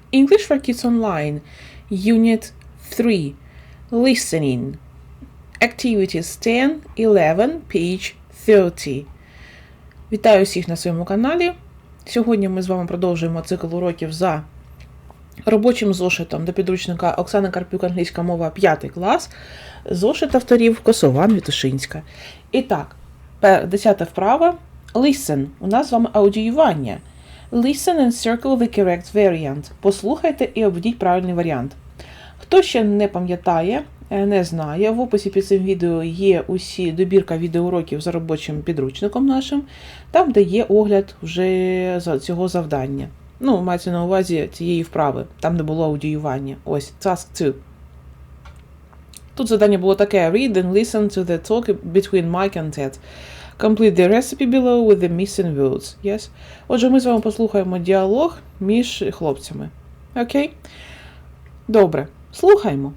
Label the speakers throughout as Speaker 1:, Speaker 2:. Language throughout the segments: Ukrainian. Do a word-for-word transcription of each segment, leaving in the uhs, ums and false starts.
Speaker 1: English for Kids Online, Unit three, Listening. Activities ten, eleven, page thirty. Вітаю всіх на своєму каналі. Сьогодні ми з вами продовжуємо цикл уроків за робочим зошитом до підручника Оксани Карпюк «Англійська мова п'ятий клас», зошит авторів Косован Вітушинська. І так, десята вправа. Listen. У нас з вами аудіювання. Listen and circle the correct variant. Послухайте і обведіть правильний варіант. Хто ще не пам'ятає, не знає, в описі під цим відео є усі добірка відеоуроків за робочим підручником нашим, там, де є огляд вже цього завдання. Ну, мається на увазі цієї вправи, там не було аудіювання. Ось, task two. Тут завдання було таке: read and listen to the talk between Mike and Ted. Complete the recipe below with the missing words. Yes? Отже, ми з вами послухаємо діалог між хлопцями. Окей? Добре. Слухаємо.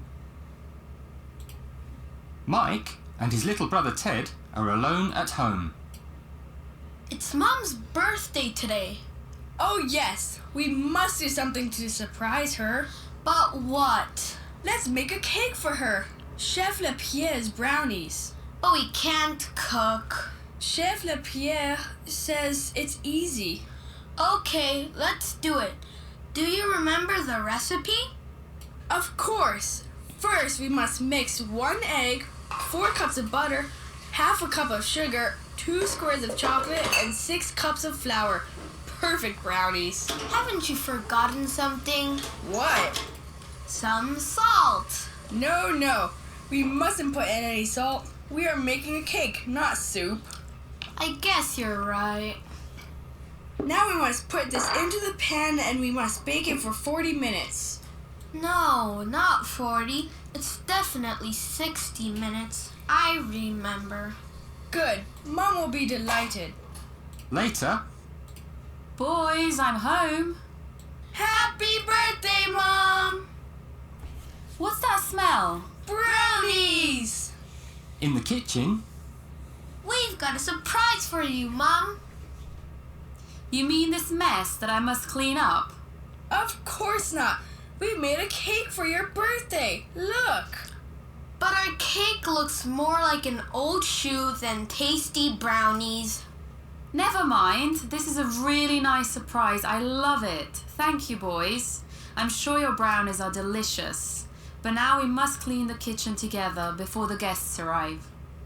Speaker 2: Mike and his little brother Ted are alone at home.
Speaker 3: It's Mom's birthday today.
Speaker 4: Oh yes, we must do something to surprise her.
Speaker 3: But what?
Speaker 4: Let's make a cake for her. Chef Lapierre's brownies.
Speaker 3: But we can't cook.
Speaker 4: Chef Lapierre says it's easy.
Speaker 3: Okay, let's do it. Do you remember the recipe?
Speaker 4: Of course. First, we must mix one egg, four cups of butter, half a cup of sugar, two squares of chocolate, and six cups of flour. Perfect brownies.
Speaker 3: Haven't you forgotten something?
Speaker 4: What?
Speaker 3: Some salt.
Speaker 4: No, no. We mustn't put in any salt. We are making a cake, not soup.
Speaker 3: I guess you're right.
Speaker 4: Now we must put this into the pan and we must bake it for forty minutes.
Speaker 3: No, not forty. It's definitely sixty minutes. I remember.
Speaker 4: Good. Mom will be delighted.
Speaker 2: Later,
Speaker 5: Boys, I'm home.
Speaker 4: Happy birthday, Mom!
Speaker 5: What's that smell?
Speaker 4: Brownies!
Speaker 2: in the kitchen,
Speaker 3: We've got a surprise for you, Mom.
Speaker 5: You mean this mess that I must clean up?
Speaker 4: Of course not. We made a cake for your birthday. Look.
Speaker 3: But our cake looks more like an old shoe than tasty brownies.
Speaker 5: Never mind. This is a really nice surprise. I love it. Thank you, boys. I'm sure your brownies are delicious. But now we must clean the kitchen together before the guests arrive.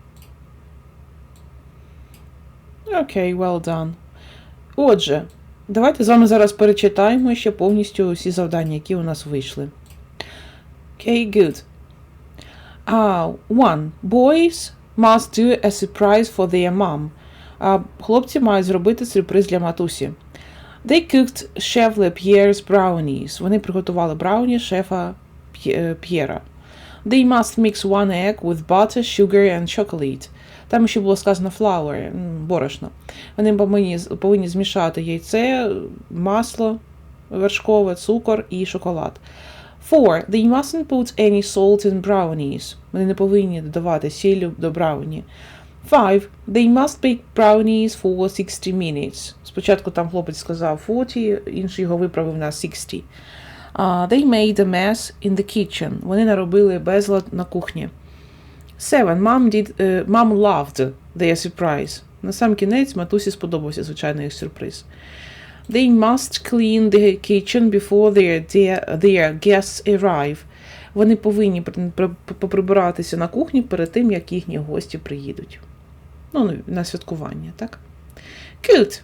Speaker 1: Окей, okay, well done. Отже, давайте з вами зараз перечитаємо ще повністю усі завдання, які у нас вийшли. Okay, good. Uh, one. Boys must do a surprise for their mom. Uh, хлопці мають зробити сюрприз для матусі. They cooked Chef Lapierre's brownies. Вони приготували брауні шефа П'єра. They must mix one egg with butter, sugar and chocolate. Там ще було сказано flour, борошно. Вони повинні, повинні змішати яйце, масло вершкове, цукор і шоколад. Four. They mustn't put any salt in brownies. Вони не повинні додавати сіллю до брауні. Five. They must bake brownies for sixty minutes. Спочатку там хлопець сказав forty, інший його виправив на sixty. Uh, they made a mess in the kitchen. Вони наробили безлад на кухні. Seven. Mom did, uh, Mom loved their surprise. На сам кінець матусі сподобався звичайний їх сюрприз. They must clean the kitchen before their, their, their guests arrive. Вони повинні поприбиратися на кухні перед тим, як їхні гості приїдуть. Ну, на святкування, так? Good.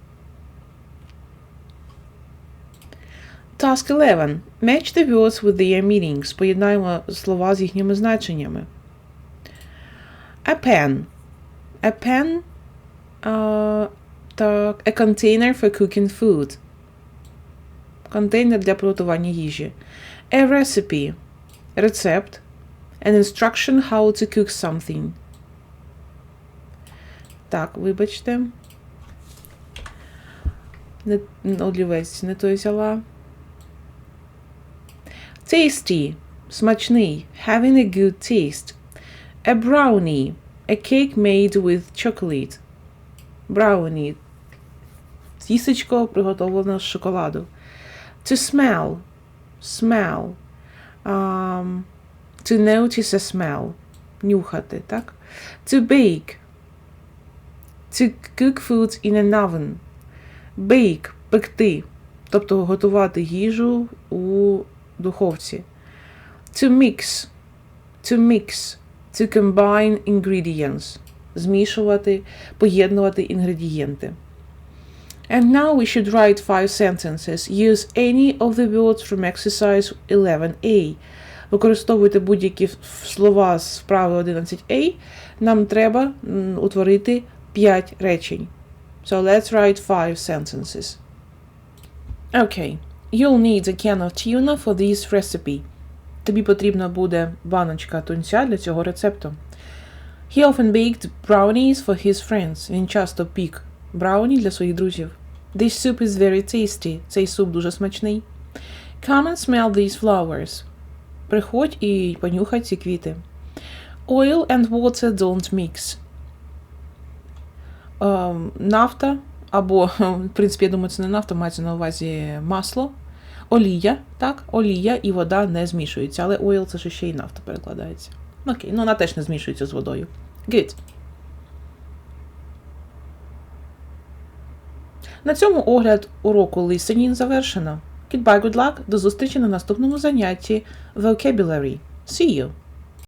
Speaker 1: Task eleven. Match the words with their meanings. Поєднаємо слова з їхніми значеннями. A pen. A pen. Uh, так, a container for cooking food. Контейнер для приготування їжі. A recipe. Рецепт. An instruction how to cook something. Так, вибачте. Не, олівець не той взяла. Tasty. Смачний. Having a good taste. A brownie. A cake made with chocolate. Brownie. Тістечко приготовлене з шоколаду. To smell. Smell. Um, to notice a smell. Нюхати, так? To bake. To cook food in an oven. Bake – пекти. Тобто готувати їжу у духовці. To mix. To mix. To combine ingredients. Змішувати, поєднувати інгредієнти. And now we should write five sentences. Use any of the words from exercise eleven A. Використовуйте будь-які слова з вправи одинадцять А. Нам треба м, утворити п'ять речень. So let's write five sentences. Okay. You'll need a can of tuna for this recipe. Тобі потрібна буде баночка тунця для цього рецепту. He often baked brownies for his friends. Він часто пік брауні для своїх друзів. This soup is very tasty. Цей суп дуже смачний. Come and smell these flowers. Приходь і понюхай ці квіти. Oil and water don't mix. Uh, нафта, або, в принципі, я думаю, це не нафта, мається на увазі масло. Олія, так, олія і вода не змішуються, але oil це ж ще й нафта перекладається. Окей, ну вона теж не змішується з водою. Good. На цьому огляд уроку listening завершено. Goodbye, good luck, до зустрічі на наступному занятті Vocabulary. See you!